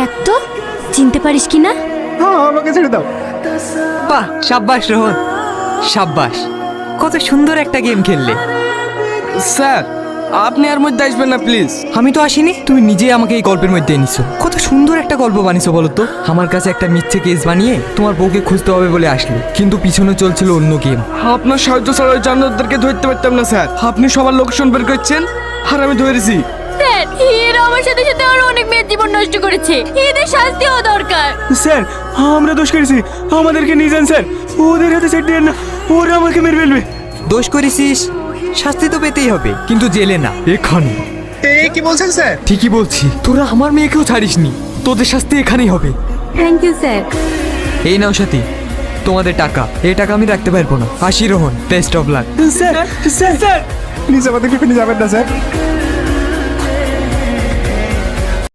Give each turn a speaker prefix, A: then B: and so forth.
A: দেখ তো চিনতে পারিস কি না?
B: হ্যাঁ আমাকে ছেড়ে দাও।
C: বাহ, সাব্বাস রোহন, সাব্বাস। কত সুন্দর একটা গেম খেললে।
D: স্যার আপনি আর মধ্যে আসবেন না প্লিজ।
C: আমি তো আসিনি, তুমি নিজেই আমাকে এই গল্পের মধ্যে এনেছো। কত সুন্দর একটা গল্প বানিয়েছো বলো তো। আমার কাছে একটা মিথ্যে কেস বানিয়ে তোমার বউকে খুঁজতে হবে বলে আসলে, কিন্তু পিছনে চলছিল অন্য গেম।
D: আপনার সাহায্য ছাড়া ওই জানোয়ারদেরকে ধরতে পারতাম না স্যার। আপনি সবার লোকেশন বের করছেন আর আমি ধরেছি।
A: স্যার এরা আমার সাথে সাথে আরো অনেক মেয়ের জীবন নষ্ট করেছে, এদের শাস্তি হওয়া দরকার।
B: স্যার আমরা দোষ করেছি, আমাদেরকে নিয়ে যান স্যার, ওদের হাতে ছেড়ে দেন না, ওরা আমাকে মেরে ফেলবে।
C: দোষ করেছিস, শাস্তি তো পেতেই হবে, কিন্তু জেলে না, এখানে।
B: কি বলছেন স্যার?
C: ঠিকই বলছি, তোরা আমার মেয়েকেও ছাড়িসনি, তোদের শাস্তি এখানেই হবে।
A: Thank you sir.
C: এই নাও সাথী, তোমাদের টাকা। এই টাকা আমি রাখতে পারবো না। আসি Rohan, best of luck.
B: Sir sir sir please আমাদেরকে ফেলে যাবেন না স্যার।